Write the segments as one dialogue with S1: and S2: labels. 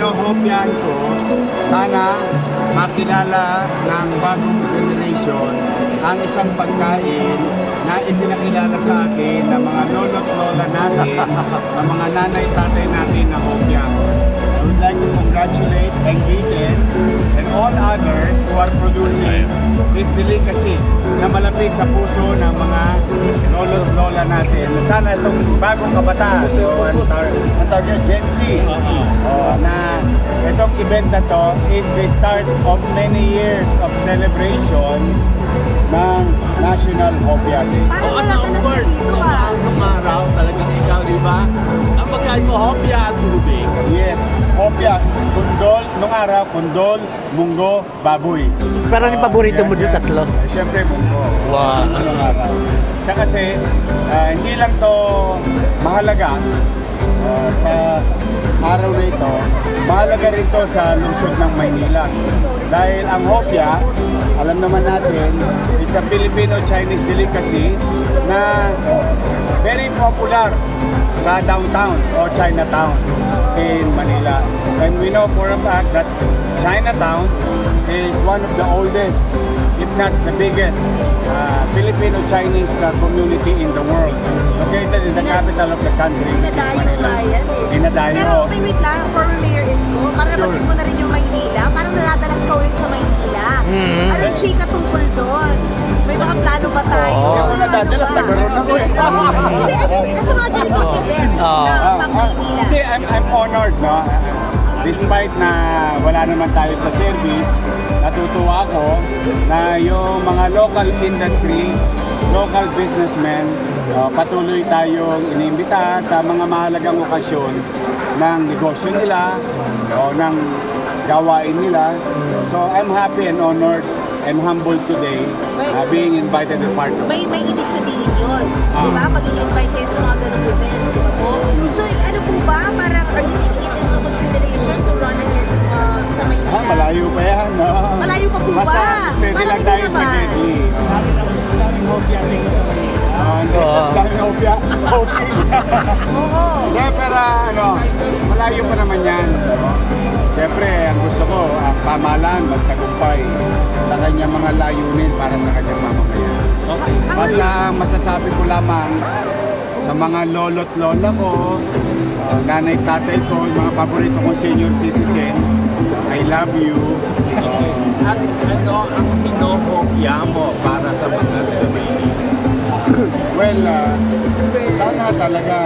S1: hinohopyan ko, sana makilala ng bagong generation ang isang pagkain na ipinakilala sa akin ng mga lolo't lola natin, ng mga nanay tatay natin na hopya. I would like to congratulate Engliten and all others who are producing this delicacy na malapit sa puso ng mga lolo't lola natin. Sana itong bagong kabataan, ang target Gen Z, na itong event na to is the start of many years of celebration ng National Hopya Day.
S2: Parang maladalas ka dito
S3: Nung araw, talagang ikaw, di ba? Ang pagkain mo, hopya at tubig.
S1: Yes, hopya, kundol, nung araw, kundol, munggo, baboy.
S4: Pero ano yung paborito mo dito tatlo?
S1: Siyempre, munggo.
S4: Wow.
S1: Nung araw. Kasi, hindi lang to mahalaga sa araw na ito, mahalaga rin to sa lungsod ng Maynila. Dahil ang hopya, alam naman natin, it's a Filipino-Chinese delicacy na very popular sa downtown o Chinatown in Manila. And we know for a fact that Chinatown is one of the oldest, if not the biggest, Filipino-Chinese community in the world. Located in the capital of the country, which is
S2: Dinadayo
S1: Manila.
S2: ba yan eh?
S1: Dinadayo.
S2: Pero okay, wait lang, former Mayor Isko, para
S1: Sure.
S2: nabanggit mo na rin yung Maynila, parang nadadalas ka ulit sa Maynila. Ano yung chika tungkol doon? May mga plano ba tayo?
S1: Hindi ako nadadalas,
S2: Ano ba?
S1: nagkaroon ako eh.
S2: Hindi, I mean, sa mga ganitong event na pang Maynila.
S1: Hindi, I'm honored, no? Despite na wala naman tayo sa service, natutuwa ako na yung mga local industry, local businessmen, patuloy tayong inimbita sa mga mahalagang okasyon ng negosyo nila o ng gawain nila. So I'm happy and honored and humbled today being invited to part of it.
S2: May ibig sabihin yun. Di ba? Pag-i-invite kayo sa mga ganong event, di ba po? So, ano po ba? Parang, are you taking it into consideration to run again sa Maynila?
S1: Malayo pa yan, no?
S2: Malayo pa po ba?
S1: Basta steady
S2: Parang
S1: lang
S2: hindi
S1: tayo sa
S2: naman.
S1: steady.
S3: Daming hopya sa inyo sa Manila.
S1: Daming hopya.
S2: Oo.
S1: Yeah, pero malayo pa naman yan. Siyempre, ang gusto ko, ang pamahalaan magtagumpay sa kanyang mga layunin para sa kanyang mamamayan.
S3: Okay.
S1: Basta ang masasabi ko lamang sa mga lolo't lola ko, nanay tatay ko, yung mga paborito kong senior citizen, I love you.
S3: At ano ang pinohopya mo para sa mga taga-Maynila?
S1: Well, sana talaga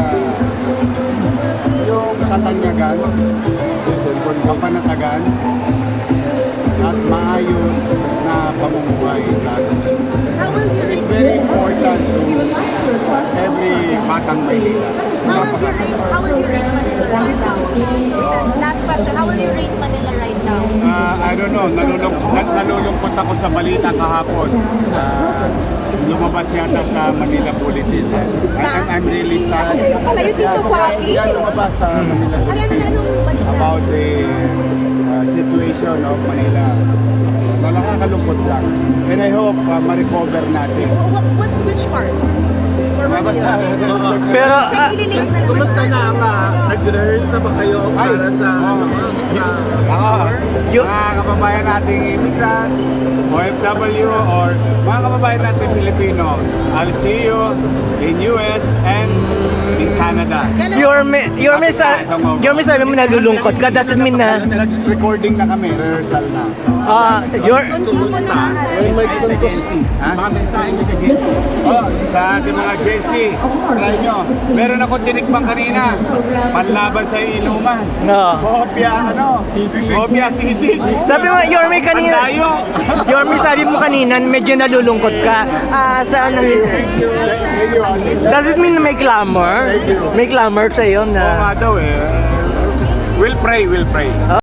S1: yung katanyagan, kapanatagan, at maayos na pamumuhay sa atin.
S2: How will you
S1: It's
S2: rate
S1: very important to every batang Maynila.
S2: How will you rate Manila right now? Last question, how will you rate Manila right now?
S1: I don't know, nalulungkot ako sa balita kahapon. Lumabas yata sa Manila Bulletin. I'm really sad.
S2: Yung pala yung Tito Joaquin.
S1: Yan lumabas sa Manila Bulletin
S2: Anong balita?
S1: about the situation of Manila. Nakakalungkot lang. And I hope ma-recover natin.
S2: Which part?
S1: Basta,
S4: Pero,
S2: Check, ililink na naman.
S3: Kumusta na ang nag-rehearse na ba kayo para sa
S1: mga kababayan nating immigrants, OFW, or mga kababayan nating Pilipino, I'll see you in US and in Canada.
S4: your sabi mo nalulungkot ka, doesn't mean na,
S1: Nag-recording na kami, rehearsal na. Ha?
S3: Mga mensahe niyo sa Gen Z.
S1: Sa ating mga Gen Z, try nyo. Meron akong tinikbang kanina, panlaban sa inuman.
S4: no.
S1: Hopya sisig.
S4: Sabi mo, Yorme kanina,
S1: Pandayo.
S4: Yorme sabi mo kanina, medyo nalulungkot ka. Saan does it mean na may clamor? May clamor sa'yo
S1: Oo
S4: na,
S1: nga daw eh. We'll pray.